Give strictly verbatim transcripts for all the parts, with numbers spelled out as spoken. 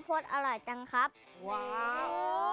าวโพดอร่อยจังครับว้าว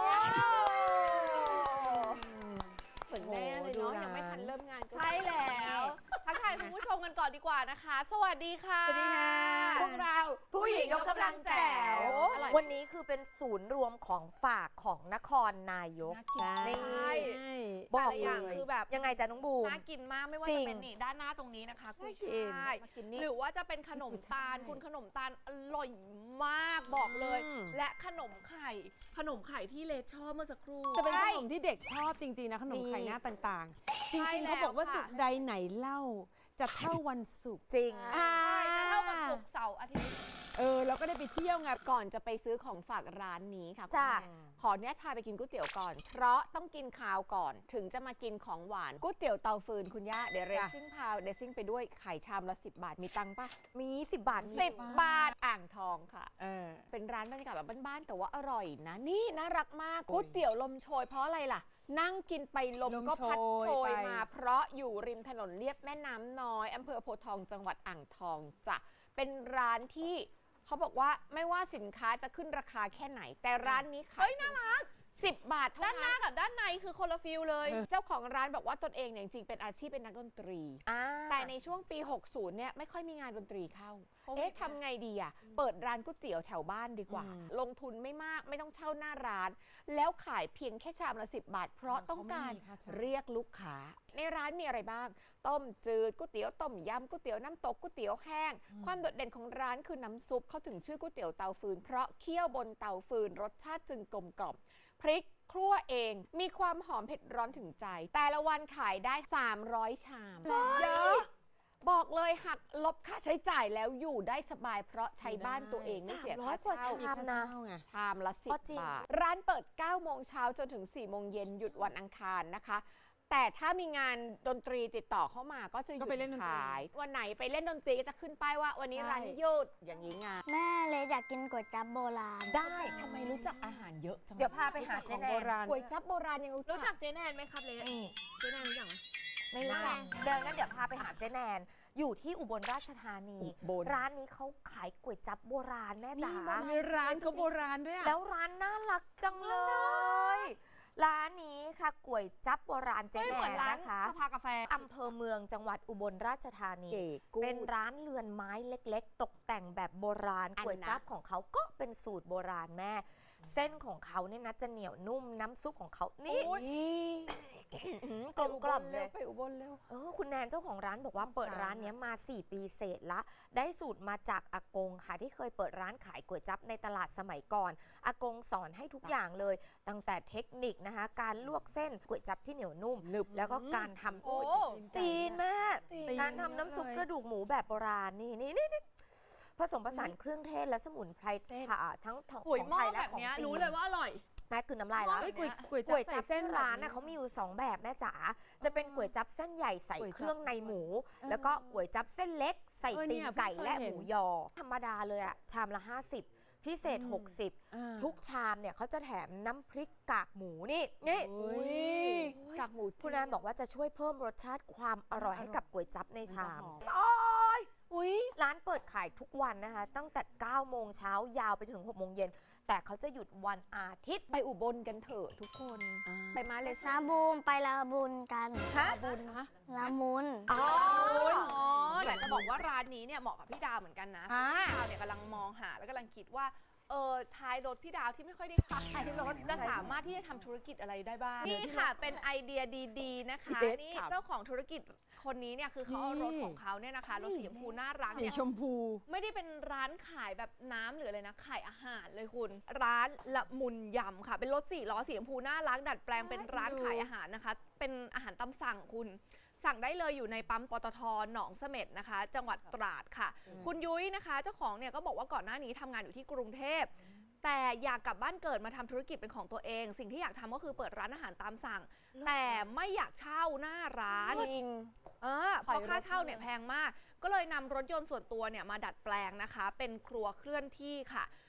เหมือนแม่เลยเนาะยังไม่ทันเริ่มงานใช่แล้วทักทายคุณผู้ชมกันก่อนดีกว่านะคะสวัสดีค่ะสวัสดีค่ะพวกเราผู้หญิงยกกำลังแจ๋ววันนี้คือเป็นศูนย์รวมของฝากของนครนายกนี่บอกอย่างคือแบบยังไงจ๊ะน้องบูมน่ากินมากไม่ว่าจะเป็นนี่ด้านหน้าตรงนี้นะคะกุ้ยช่ายหรือว่าจะเป็นขนมตาลคุณขนมตาลอร่อยมากบอกเลยและขนมไข่ขนมไข่ที่เลชอบเมื่อสักครู่จะเป็นขนมที่เด็กชอบจริงๆนะขนมไข่หน้าต่างๆจริงๆเขาบอกว่าสุกใดไหนเล่าจะเท่าวันศุกร์จริงจะเท่ากับศุกร์เสาร์อาทิตย์เออเราก็ได้ไปเที่ยวไงก่อนจะไปซื้อของฝากร้านนี้ค่ะจ้าขอเนี้ยพาไปกินก๋วยเตี๋ยวก่อนเพราะต้องกินข้าวก่อนถึงจะมากินของหวานก๋วยเตี๋ยวเตาฟืนคุณย่าเดี๋ยวเรซิ่งพาเรซิ่งไปด้วยไข่ชามละสิบบาทมีตังค์ปะมีสิบบาทสิบบาทอ่างทองค่ะเออเป็นร้านบรรยากาศแบบบ้านๆแต่ว่าอร่อยนะนี่น่ารักมากก๋วยเตี๋ยวลมโชยเพราะอะไรล่ะนั่งกินไปลมก็พัดโชยมาเพราะอยู่ริมถนนเลียบแม่น้ำน้อยอำเภอโพธิ์ทองจังหวัดอ่างทองจ้ะเป็นร้านที่เขาบอกว่าไม่ว่าสินค้าจะขึ้นราคาแค่ไหนแต่ร้านนี้ขายเฮ้ยน่ารักสิบบาทเท่านั้นด้านหน้ากับด้านในคือคนละฟิลเลยเจ้าของร้านบอกว่าตนเองเนี่ยจริงๆเป็นอาชีพเป็นนักดนตรีแต่ในช่วงปีหกสิบเนี่ยไม่ค่อยมีงานดนตรีเข้าเอ๊ะทำไงดีอ่ะเปิดร้านก๋วยเตี๋ยวแถวบ้านดีกว่าลงทุนไม่มากไม่ต้องเช่าหน้าร้านแล้วขายเพียงแค่ชามละสิบบาทเพราะต้องการเรียกลูกค้าในร้านมีอะไรบ้างต้มจืดก๋วยเตี๋ยวต้มยำก๋วยเตี๋ยวน้ำตกก๋วยเตี๋ยวแห้งความโดดเด่นของร้านคือน้ำซุปเขาถึงชื่อก๋วยเตี๋ยวเตาฟืนเพราะเคี่ยวบนเตาฟืนรสชาติจึงกลมกล่อมพริกครัวเองมีความหอมเผ็ดร้อนถึงใจแต่ละวันขายได้สามร้อยชามเยอะบอกเลยหักลบค่าใช้จ่ายแล้วอยู่ได้สบายเพราะใช้บ้านตัวเองไม่เสียค่าเช่าชามนะชามละสิบบาทร้านเปิดเก้าโมงเช้าจนถึงสี่โมงเย็นหยุดวันอังคารนะคะแต่ถ้ามีงานดนตรีติดต่อเข้ามาก็จะหยุดขายวันไหนไปเล่นดนตรีก็จะขึ้นป้ายว่าวันนี้ร้านหยุดอย่างนี้ไงแม่เลยอยากกินก๋วยจั๊บโบราณได้ทำไมรู้จักอาหารเยอะจังเดี๋ยวพาไปหาเจ๊แนนก๋วยจั๊บโบราณยังรู้จักรู้จักเจ๊แนนไหมครับเลเจ๊แนนรู้จักไหมไม่รู้จักเดินงั้นเดี๋ยวพาไปหาเจ๊แนนอยู่ที่อุบลราชธานีร้านนี้เขาขายก๋วยจั๊บโบราณแม่จ๋ามีร้านเขาโบราณด้วยแล้วร้านน่ารักจังเลยร้านนี้ค่ะก๋วยจั๊บโบราณเจ๊แนนนะคะสภากาแฟอำเภอเมืองจังหวัดอุบลราชธานีเป็นร้านเรือนไม้เล็กๆตกแต่งแบบโบราณก๋วยจั๊บของเขาก็เป็นสูตรโบราณแม่เส้นของเขาเนี่ยนะจะเหนียวนุ่มน้ำซุปของเขานี่กลมกล่อมเลยไปอุบลเร็วเออคุณแนนเจ้าของร้านบอกว่าเปิดร้านนี้มาสี่ปีเศษละได้สูตรมาจากอากงค่ะที่เคยเปิดร้านขายก๋วยจั๊บในตลาดสมัยก่อนอากงสอนให้ทุกอย่างเลยตั้งแต่เทคนิคนะคะการลวกเส้นก๋วยจั๊บที่เหนียวนุ่มแล้วก็การทำตีนแม่การทำน้ำซุปกระดูกหมูแบบโบราณนี่นี่นี่ผสมผสานเครื่องเทศและสมุนไพรทั้งของไทยและของจีนรู้เลยว่าอร่อยแม่คือน้ำลายแล้วก๋วยจั๊บเส้นร้านน่ะเขามีอยู่สองแบบแม่จ๋าจะเป็นก๋วยจั๊บเส้นใหญ่ใส่เครื่องในหมูแล้วก็ก๋วยจั๊บเส้นเล็กใส่ตีนไก่และหมูยอธรรมดาเลยอะชามละห้าสิบพิเศษหกสิบทุกชามเนี่ยเขาจะแถมน้ำพริกกากหมูนี่นี่กากหมูคุณแนนบอกว่าจะช่วยเพิ่มรสชาติความอร่อยให้กับก๋วยจั๊บในชามอุ้ยร้านเปิดขายทุกวันนะคะตั้งแต่เก้าโมงเช้ายาวไปถึงหกโมงเย็นแต่เขาจะหยุดวันอาทิตย์ไปอุบลกันเถอะทุกคนไปมาเลยนาบูมไปลาบุญกันฮะบุญฮะลามุนอ๋ออยากจะบอกว่าร้านนี้เนี่ยเหมาะกับพี่ดาวเหมือนกันนะพี่ดาวเนี่ยกำลังมองหาแล้วกำลังคิดว่าเออท้ายรถพี่ดาวที่ไม่ค่อยได้ขับท้ายรถจะสามารถที่จะทำธุรกิจอะไรได้บ้างนี่ค่ะเป็นไอเดียดีๆนะคะนี่เจ้าของธุรกิจคนนี้เนี่ยคือเขาเอารถของเขาเนี่ยนะคะรถสีชมพูน่ารักเนี่ยสีชมพูไม่ได้เป็นร้านขายแบบน้ำหรืออะไรนะขายอาหารเลยคุณร้านละมุนยำค่ะเป็นรถสี่ล้อสีชมพูน่ารักดัดแปลงเป็นร้านขายอาหารนะคะเป็นอาหารตามสั่งคุณสั่งได้เลยอยู่ในปั๊มปตท.หนองเสม็ดนะคะจังหวัดตราดค่ะคุณยุ้ยนะคะเจ้าของเนี่ยก็บอกว่าก่อนหน้านี้ทำงานอยู่ที่กรุงเทพแต่อยากกลับบ้านเกิดมาทำธุรกิจเป็นของตัวเองสิ่งที่อยากทำก็คือเปิดร้านอาหารตามสั่งแต่ไม่อยากเช่าหน้าร้านจริงเออเพราะค่าเช่าเนี่ยแพงมากก็เลยนำรถยนต์ส่วนตัวเนี่ยมาดัดแปลงนะคะเป็นครัวเคลื่อนที่ค่ะ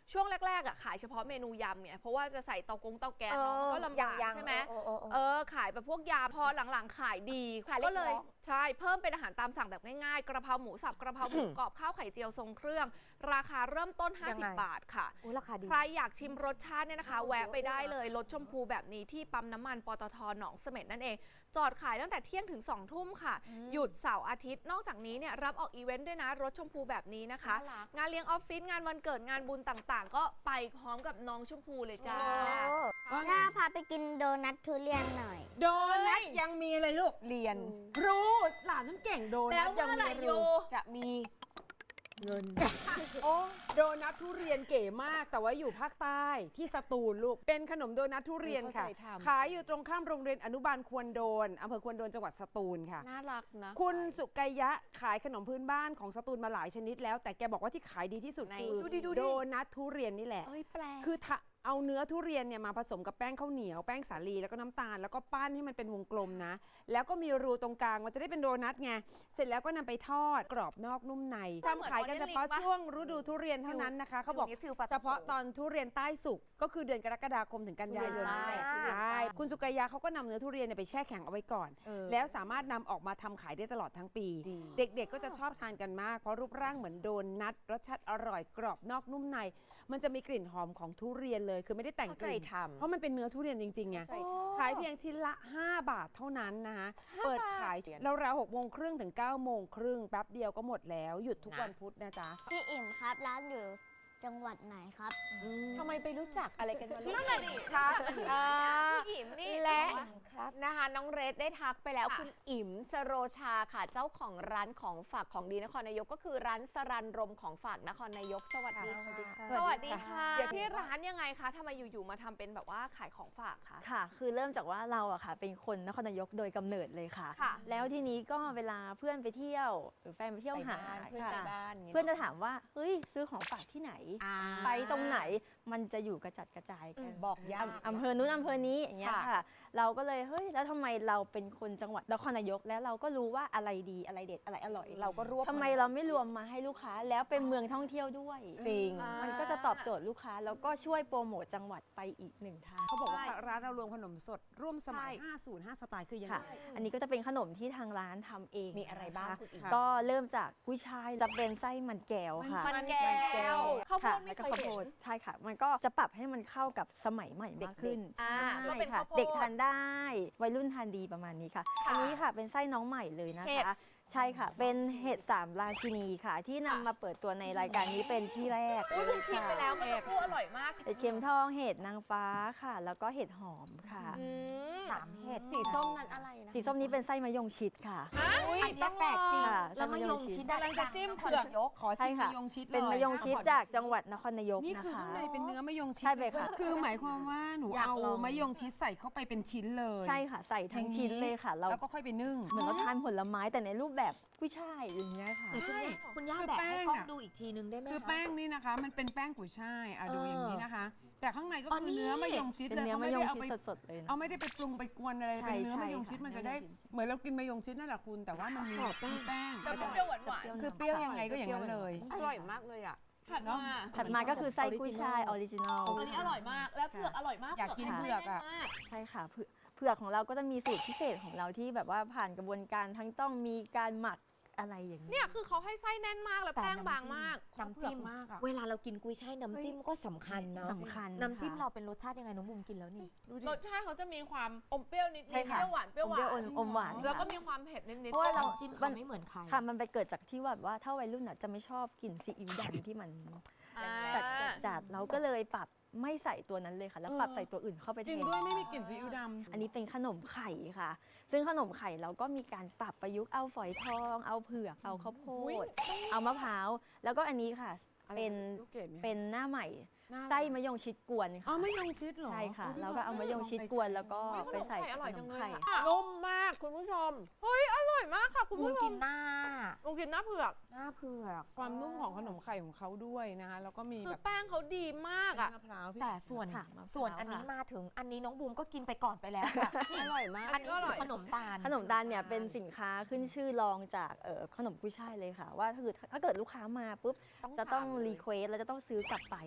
ช่วงแรกๆอ่ะขายเฉพาะเมนูยำเนี่ยเพราะว่าจะใส่เตากงเตาแก๊สเนาะมันก็ลำบากยังๆใช่ไหมเออเออเออเออขายแบบพวกยาพอหลังๆขายดีขายเล็กก็เลยน้อยใช่เพิ่มเป็นอาหารตามสั่งแบบง่ายๆกระเพราหมูสับกระเพราหมูกรอบข้าวไข่เจียวทรงเครื่อง ราคาเริ่มต้นยังไงห้าสิบ บาทค่ะอุ๊ยราคาดีใครอยากชิมรสชาติเนี่ยนะคะ แวะไปได้เลยรสชมพูแบบนี้ที่ปั๊มน้ำมันปตทหนองเสม็ดนั่นเอง จอดขายตั้งแต่เที่ยงถึงสองทุ่มค่ะ หยุดเสาร์อาทิตย์นอกจากนี้เนี่ยรับออกอีเวนต์ด้วยนะรถชมพูแบบนี้นะคะน่ารักงานเลี้ยงออฟฟิศงานวันเกิดงานบุญต่างๆ ก็ไปพร้อมกับน้องชมพูเลยจ้าถ้าพาไปกินโดนัททุเรียนหน่อยโดนัทยังมีอะไรลูกเรียนรู้หลานฉันเก่งโดแล้นัวทยัเมื่อไหร่มีโยรู้จะมีเงิน โอ้โดนัททุเรียนเก๋มาก แต่ว่าอยู่ภาคใต้ที่สตูลลูก เป็นขนมโดนัททุเรียนค่ะเข้าใจทำขายอยู่ตรงข้ามโรงเรียนอนุบาลควรโดนอำเภอควรโดนจังหวัดสตูลค่ะน่ารักนะคุณสุกัยยะขายขนมพื้นบ้านของสตูลมาหลายชนิดแล้ว แต่แกบอกว่าที่ขายดีที่สุดไหนคือดูดิดูดิโดนัททุเรียนนี่แหละเอ้ยแปลกคือถ้าเอาเนื้อทุเรียนเนี่ยมาผสมกับแป้งข้าวเหนียวแป้งสาลีแล้วก็น้ำตาลแล้วก็ปั้นให้มันเป็นวงกลมนะ แล้วก็มีรูตรงกลางมันจะได้เป็นโดนัทไงเสร็จแล้วก็นำไปทอดกรอบนอกนุ่มในทำขายกันเฉพาะช่วงฤดูทุเรียนเท่านั้นนะคะเขาบอกฟิลนี้ฟิลปลาเฉพาะตอนทุเรียนใต้สุกก็คือเดือนกรกฎาคมถึงกันยายนนี่แหละทุเรียนใต้ใช่คุณสุกัยยาเขาก็นำเนื้อทุเรียนเนี่ยไปแช่แข็งเอาไว้ก่อนเออแล้วสามารถนำออกมาทำขายได้ตลอดทั้งปีดีเด็กๆก็จะชอบทานกันมากเพราะรูปร่างเหมือนโดนัทรสชาติอร่อยกรอบนอกนุ่มใน มันจะมีกลิ่นหอมของทุเรียนเลยคือไม่ได้แต่งเข้าก ใจลิ่นทำเพราะมันเป็นเนื้อทุเรียนจริงๆไงเข้าใจทำขายเพียงชิ้นละ ห้า บาทเท่านั้นนะคะห้าเปิดขายบาทราวๆหกโมงครึ่งถึงเก้าโมงครึ่งแป๊บเดียวก็หมดแล้วหยุดทุกนะวันพุธนะจ๊ะพี่อิ่มครับร้านอยู่จังหวัดไหนครับทำไมไปรู้จักอะไรกันมาลูกนั่นแหละดิครับอ่าพี่อิ๋มนี่และครับนะคะน้องเรดได้ทักไปแล้วค่ะคุณอิ๋มสโรชาค่ะเจ้าของร้านของฝากของดีนครนายกก็คือร้านสรันรมของฝากนครนายกสวัสดีค่ะสวัสดีค่ะเดี๋ยวที่ร้านยังไงคะทำไมอยู่ๆมาทำเป็นแบบว่าขายของฝากคะค่ะ คือเริ่มจากว่าเราอะค่ะ เป็นคนนครนายกโดยกำเนิดเลยค่ะค่ะแล้วทีนี้ก็เวลาเพื่อนไปเที่ยว หรือแฟนไปเที่ยวหาเพื่อนค่ะไปบ้านย่างงี้เพื่อนจะถามว่า เฮ้ย ซื้อของฝากที่ไหนอ่าไปตรงไหน มันจะอยู่กระจัดกระจายกันบอกยากอำเภอนู้นอำเภอนี้อย่างเงี้ยค่ะค่ะ เราก็เลย เฮ้ย แล้วทำไมเราเป็นคนจังหวัดนครนายก แล้วเราก็รู้ว่าอะไรดีอะไรเด็ดอะไรอร่อยเราก็รวบทำไมเราไม่รวมมาให้ลูกค้า แล้วเป็นเมืองท่องเที่ยวด้วยจริงอ่ามันก็จะตอบโจทย์ลูกค้า แล้วก็ช่วยโปรโมทจังหวัดไปอีกหนึ่งทางเขาบอกว่าใช่ร้านเรารวมขนมสดร่วมสมัยใช่ห้าศูนย์ห้า สไตล์คือยังไงค่ะ อันนี้ก็จะเป็นขนมที่ทางร้านทำเองมีอะไรบ้างนคคุณอิ๋มค่ะก็เริ่มจากกุ้ยช่ายจะเป็นไส้มันแก้วค่ะมันแก้วข้าวโพค่ะดไม่แล้วเคก็ยข้าวโพเห็ดนใช่ค่ะ มันก็จะปรับให้มันเข้ากับสมัยใหม่มากขึ้นอ่าใช่ก็เป็นค่ะข้าวโพดเด็กทานได้วัยรุ่นทานดีประมาณนี้ค่ะค่ะอันนี้ค่ะเป็นไส้น้องใหม่เลยนะเห็ดคะ ใช่ค่ะ เป็นเห็ดสามราชินีค่ะ ที่นำค่ะมาเปิดตัวในรายการนี้เป็นที่แรกอุ้ยคุณชิมไปแล้วเมื่อสักครู่อร่อยมากเห็ดเข็มทองเห็ดนางฟ้าค่ะ แล้วก็เห็ดหอมค่ะอืมสามเห็ดสีส้มนั้นอะไรนะสีส้มนี้เป็นไส้มะยงชิดค่ะอุ๊ยอันเนี้ยแปลกจริงค่ะแล้วมะยงชิดกำลังจะจิ้มเผือกขอใช่ชิมค่ะมะยงชิดเลยเป็นมะยงชิดจากจังหวัดนครนายกนี่นะคือคะข้างในเป็นเนื้อมะยงชิดใช่เลยค่ะคือหมายความว่าหนูอยากเอาลองมะยงชิดใส่เข้าไปเป็นชิ้นเลยใช่ค่ะ ใส่ทั้งชิ้นเลยค่ะ เราแล้วก็ค่อยไปนึ่งเหมือนเราทานผลไม้แต่ในรูปแบบกุ้ยช่ายอย่างเงี้ยค่ะใช่คุณย่าคือแบกแป้ให้งกล้องอะดูอีกทีนึงได้ไหมคือคะแป้งนี่นะคะ มันเป็นแป้งกุยช่ายอ่ะดูเอออย่างนี้นะคะ แต่ข้างในก็อ๋อคือเนื้อนี่มะยงชิดเป็นเลยเนื้อเขามะไม่ยได้งเอาชิไปดสดๆเลยนะเอาไม่ได้ไปปรุงไปกวนอะไรใช่เป็นเนื้อใช่มะยงชิดค่ะมันจะได้มะยงชิดเหมือนเรากินมะยงชิดนั่นแหละคุณ แต่ว่ามันมีขอบแป้งมีแป้งจะเปรี้ยวหวานหวานคือเปรี้ยวยังไงก็อย่างนั้นเลยอร่อยมากเลยอ่ะถัดมาถัดมาก็คือไส้กุ้ยช่ายออริจินอลอันนี้อร่อยมาก และเผือกอร่อยมากอยากกินเผือกอะไส้แน่นมากใช่ค่ะเผือกเผือกของเราก็จะมีสูตรพิเศษของเราที่แบบว่าผ่านกระบวนการทั้งต้องมีการหมักอะไรอย่างนี้เนี่ยคือเขาให้ไส้แน่นมากแล้วแต่แป้งบางมากน้ำจิ้มมากอะเวลาเรากินกุ้ยช่ายน้ำจิ้มก็สำคัญเนาะสำคัญน้ำจิ้มค่ะเราเป็นรสชาติยังไงน้องบุมกินแล้วนี่ดูดิรสชาติเขาจะมีความอมเปรี้ยวนิดๆใช่เปค่ะรี้ยวหวานเปรี้ยวหวาอมนอมหวานแล้วก็ค่ะมีความเผ็ดนิดๆเพราะว่าเราน้ำจิ้มเขาไม่เหมือนใครค่ะมันไปเกิดจากที่ว่าแบบว่าถ้าวัยรุ่นอ่ะจะไม่ชอบกลิ่นซีอิ๊วดำที่มันอ่าจัดจัดจัดเราก็เลยปรับไม่ใส่ตัวนั้นเลยค่ะ แล้วปรับใส่ตัวอื่นเข้าไปจแทริงนด้วยไม่มีกลิ่นซีอิ๊วดำอันนี้เป็นขนมไข่ค่ะ ซึ่งขนมไข่เราก็มีการปรับประยุกต์เอาฝอยทอง เอาเผือก เอาข้าวโพอุ๊ยด เอามะพร้าว แล้วก็อันนี้ค่ะ เป็นลูกเกดไหมเป็นหน้าใหม่หน้าไส้มะยงชิดกวนอ๋อค่ะมะยงชิดเหรอใช่ค่ะอุ๊ยแล้วก็เอามะยงชิดกวนแล้วก็อุ๊ยขไปนมใส่ไข่อร่อยขจันงมเลยไข่ค่ะนุ่มมากคุณผู้ชมเฮ้ยอร่อยมากค่ะคุณบุมผู้ชกิมนหน้าลองกินหน้าเผือกหน้าเผือกความนุ่มของขนมไข่ของเขาด้วยนะคะแล้วก็มีคือแบบแป้งเขาดีมากเป็นอ่ะมะพร้าวพี่แต่ส่วนค่ะมะพร้าวส่วนอันนี้ค่ะมาถึงอันนี้น้องบูมก็กินไปก่อนไปแล้วค่ะอร่อยมากอันนี้คือขนมตาลขนมตาลเนี่ยเป็นสินค้าขึ้นชื่อรองจากเอ่อขนมกุ้ยช่ายเลยค่ะ ว่าถ้าเกิดถ้าเกิดลูกค้ามาปุ๊บจะต้องรีเควสแล้วจะต้องซื้อกลับไปเป็นหนึ่ง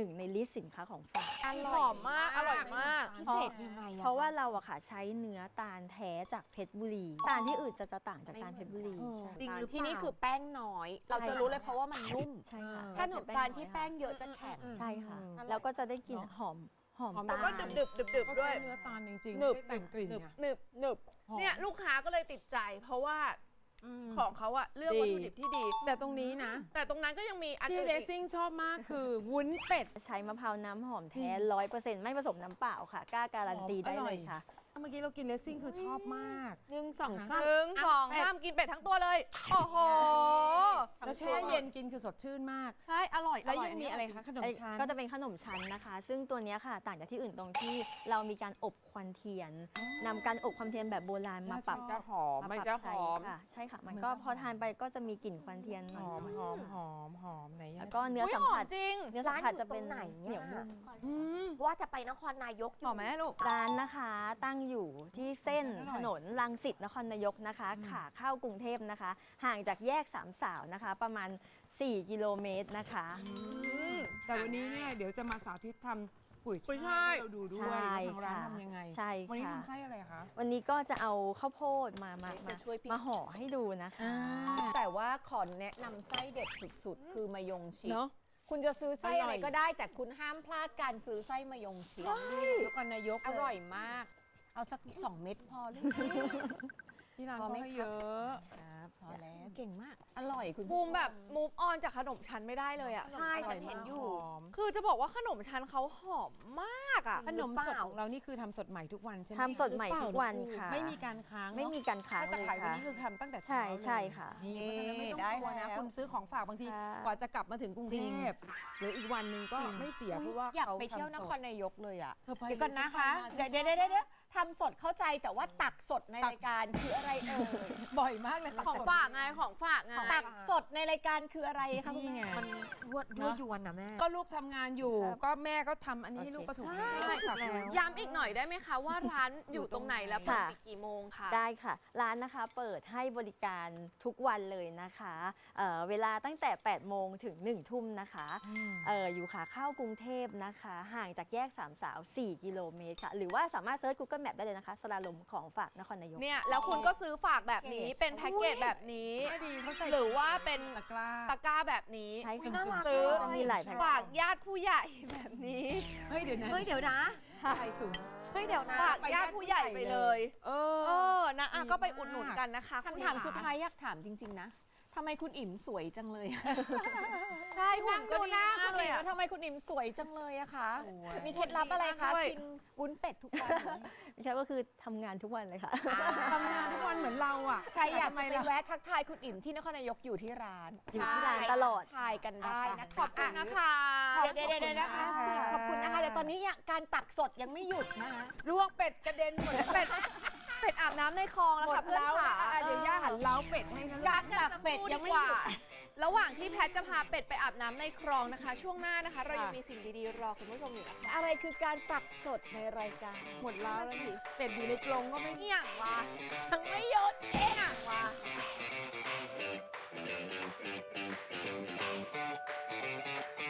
นึ่งในลิสต์สินค้าของฝากอหร่อยอมมาก อร่อยมากพิเศษยังไงอะเพราะว่าเราอะค่ะใช้เนื้อตาลแท้จากเพชรบุรี ตาลที่อื่นจะจะต่างจากตาลเพชรบุรีไม่เหมือนใช่จริงหรือเปล่าที่นี่คือแป้งน้อย เราจะรู้เลยเพราะว่ามันนุ่มใช่ค่ะถ้าขนมตาลที่แป้งเยอะจะแข็งใช่ค่ะอืมแล้วก็จะได้กลิ่นหอมหอมหอมตาก็ลดึบดึบดึบดึบก็ด้วยใช้เนื้อตาลจริงๆหนึบไม่ได้แต่งกลิ่นหนึบไงหนึบหนึบหอมเนี่ยลูกค้าก็เลยติดใจ เพราะว่าของเขาอะเลือกดีวัตถุดิบที่ดีแต่ตรงนี้นะแต่ตรงนั้นก็ยังมีอันที่อื่นเลอีสกซิ่งชอบมากคือวุ้นเป็ดใช้มะพร้าวน้ำหอมจริแท้งร้อยเปอร์เซ็นต์ไม่ผสมน้ำเปล่าค่ะ กล้าการันตีหอมได้อร่เลอยยค่ะเมื่อกี้เรากินเลสซิ่งคือชอบมากหนึ่งสองหสามนึ่งสองสามกินเป็ดทั้งตัวเลย โอ้โหแล้วแช่เย็นกินคือสดชื่นมากใช่ อร่อยแล้วอร่อยังมีอะไรคะขนมไอ้ชั้นก็จะเป็นขนมชั้นนะคะ ซึ่งตัวเนี้ยค่ะ ต่างจากที่อื่นตรงที่เรามีการอบควันเทียนนำการอบควันเทียนแบบโบราณมาปรับจะหอมมามันปรับจะหใช้อมค่ะ ใช่ค่ะ มันมันก็จะพอหอมทานไปก็จะมีกลิ่นควันเทียนหหน่ออมยหอมหอมหอมไหนๆยังแล้วก็เนื้ออุ๊ยสัมหอผัมสจริงเนื้อสัมผัสจะเป็นร้านอยู่ตรงไหนอะเหนียวนุ่มอืมว่าจะไปนครนายกอหอยู่ มไหมลูกร้านนะคะตั้งอยู่ที่เส้นอร่ถอยนนรังสิตนครนายกนะคะ ขาเข้ากรุงเทพนะคะ ห่างจากแยกสามสาวนะคะ ประมาณ สี่ กิโลเมตรนะคะแต่วันนี้เนี่ยเดี๋ยวจะมาสาธิตทำกุยกุยช่าช่ายยให้เราดูด้วยใช่ว่าทางร้านค่ะทำยังไงใช่วันนี้ค่ะทำไส้อะไรคะวันนี้ก็จะเอาข้าวโพดมามามาจะช่วยพี่มาห่อให้ดูนะคะแต่ว่าขอแนะนำไส้เด็ดสุดๆ คือมายงชิดเนาะคุณจะซื้อไส้อร่อะอยไรก็ได้ แต่คุณห้ามพลาดการซื้อไส้มายงชิดนครนายกอเลร่อยมาก เอาสักสองเม็ดพอเลยที่ร้านพอเขาไหมให้ครับเยอะพอแล้วเก่งมาก อร่อยคุณบูมแบบ move on จากขนมชั้นไม่ได้เลยอะใช่ฉันเห็นอยู่หอมคือจะบอกว่าขนมชั้นเขาหอมมากอะขนมสดของเรานี่คือทำสดใหม่ทุกวันใช่ไหมทำสดใหม่ทุกวันค่ะไม่มีการค้างเนอะไม่มีการค้างถ้าจะเลยขายวันค่ะนี้คือทำตั้งแต่ใช่เช้าเลยใช่ค่ะนี่เพราะฉะนั้นไม่ต้องได้กลัวนะแล้วคุณซื้อของฝากบางทีค่ะกว่าจะกลับมาถึงกรุงจริเทงพหรืออีกวันหนึ่งก็ไม่เสียเพราะว่าอยากเขาไปเที่ยวนทำสคดรนายกเลยอ่ะเธอไปเดี๋ยวก่อนนะคะเลยเดี๋ยวฉันเดี๋ยวไปเดี๋ยวเดี๋ยวทำสดเข้าใจแต่ว่าตักสดในรายการคืออะไรเอ่ยบ่อยมากเลยของฝากไง ของฝากไงตักสดในรายการคืออะไรคะคุณนี่ไงแม่มันยั่วยั่วยวนนะแม่ก็ลูกทำงานอยู่ครับก็แม่ก็ทำอันนี้ให้โอเคลูกก็ถูกใช่แล้วถูกแล้วย้ำอีกหน่อยได้ไหมคะว่าร้านอยู่ตรงไหนและเปิดค่ะปิดกี่โมงคะได้ค่ะ ร้านนะคะเปิดให้บริการทุกวันเลยนะคะเอ่อเวลาตั้งแต่ แปด โมงถึง หนึ่ง ทุ่มนะคะเอ่ออยู่ขาเข้ากรุงเทพนะคะ ห่างจากแยกสามสาว สี่ กิโลเมตรค่ะ หรือว่าสามารถเซิร์ช Google Map ได้เลยนะคะ สลาลมของฝากนครนายกเนี่ย แล้วคุณก็ซื้อฝากแบบนี้ เป็นแพ็กเกจแบบนี้ไม่ดีเขาใส่หรือว่าเป็นตะกร้าตะกร้าแบบนี้ใช่อุ๊ยค่ะน่ารักซื้อเลยมีหลายแพ็คฝากญาติผู้ใหญ่แบบนี้เฮ้ยเดี๋ยวนะเฮ้ยเดี๋ยวนะใส่ถุงเฮ้ยเดี๋ยวนะฝากญาติผู้ใหญ่ไปเลยเอเอออ นะอ่ะดีก็ไปมากอุดหนุนกันนะคะคำถามสุดท้ายอยากถามจริง ๆ นะทำไมคุณอิ่มสวยจังเลยใช่หุ่นก็ดีหน้ามากคุณเลอิ่ยมอะแล้วทำไมคุณอิ่มสวยจังเลยอะคะสวยมีเคล็ดลับอะไรคะด้วยกินวุ้นเป็ดทุกวันไหมไม่ใช่ก็คือทำงานทุกวันเลยค่ะทำงานทุกวันเหมือนเราอ่ะใครอยากทำจะไมไปล่ะแวะทักทายคุณอิ่มที่นครนายกอยู่ที่ร้านอยู่ที่ร้านตลอดทายกันได้นะขอบคุณนะคะเดี๋ยวเดี๋ยวเดี๋ยวนะคะ ขอบคุณนะคะแต่ตอนนี้ยังการตักสดยังไม่หยุดนะคะลวกเป็ดกระเด็นหมดแล้วเป็ด เป็ดอาบน้ำในคลองแล้วหมค่ะดเพื่อนแล้วขาอ่ะเดี๋ยวย่าหันเล้าเป็ดให้นะลูกกักกันสักเป็ดครู่ยัดีงไม่กว่าหยุดระหว่างที่แพทจะพาเป็ดไปอาบน้ำในคลองนะคะ ช่วงหน้านะคะ เรายังมีสิ่งดีๆรอคุณผู้ชมอยู่นะคะอะไรคือการตักสดในรายการหมดแล้วแล้วสิเป็ดอยู่ในกรงก็ไม่เอี่ยงวะยังไม่หยุดเอี่ยงวะ